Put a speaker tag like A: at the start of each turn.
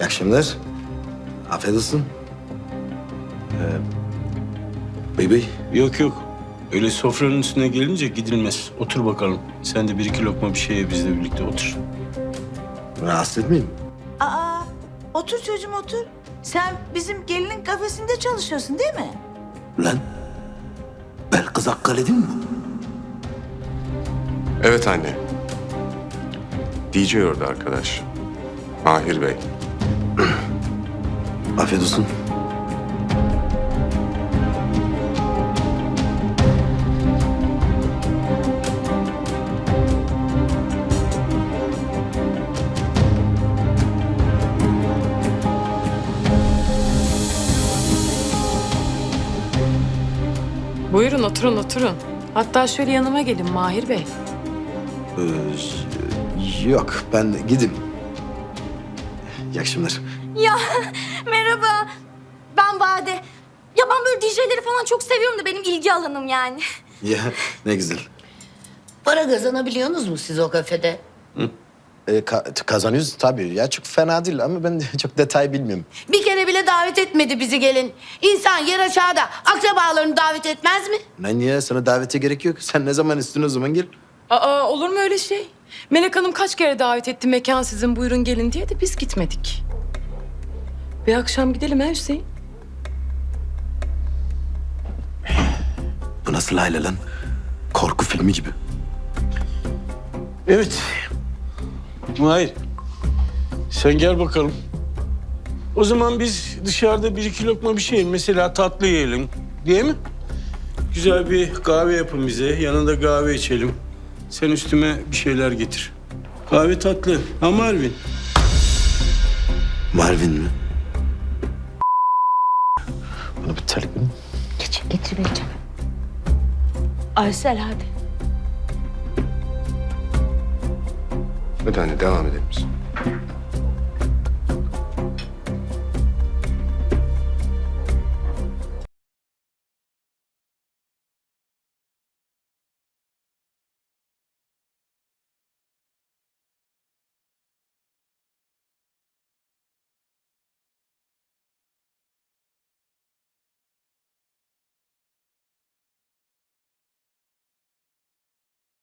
A: İyi akşamlar. Afiyet olsun. Bey.
B: Yok yok. Öyle sofranın üstüne gelince gidilmez. Otur bakalım. Sen de bir iki lokma bir şey ye, bizle birlikte otur.
A: Rahatsız etmeyeyim.
C: Aa, otur çocuğum otur. Sen bizim gelinin kafesinde çalışıyorsun değil mi?
A: Lan. Belkıs Akkale değil mi bu?
D: Evet anne. DJ orada arkadaş. Mahir Bey.
A: Afiyet olsun.
E: Buyurun oturun oturun. Hatta şöyle yanıma gelin Mahir Bey.
A: Yok, ben gideyim. İyi akşamlar.
F: Ya merhaba. Ben Bade. Ya ben böyle DJ'leri falan çok seviyorum da benim ilgi alanım yani.
A: Ya ne güzel.
C: Para kazanabiliyorsunuz mu siz o kafede?
A: Kazanıyoruz tabii. Ya çok fena değil ama ben de çok detay bilmiyorum.
G: Bir kere bile davet etmedi bizi gelin. İnsan yer aşağıda akrabalarını davet etmez mi?
A: Lan ya sana davete gerek yok. Sen ne zaman istiyorsun o zaman gel.
E: Aa olur mu öyle şey? Melek Hanım kaç kere davet etti mekan sizin buyurun gelin diye de biz gitmedik. Bir akşam gidelim ha Hüseyin.
A: Bu nasıl aile lan? Korku filmi gibi.
B: Evet. Hayır. Sen gel bakalım. O zaman biz dışarıda bir iki lokma bir şey yiyelim. Mesela tatlı yiyelim. Değil mi? Güzel bir kahve yapın bize. Yanında kahve içelim. Sen üstüme bir şeyler getir. Kahve tatlı. Ha Marvin?
A: Marvin mi? Bana bir terlik verin.
G: Getirmeyeceğim. Aysel hadi.
D: Hadi anne devam edelim biz.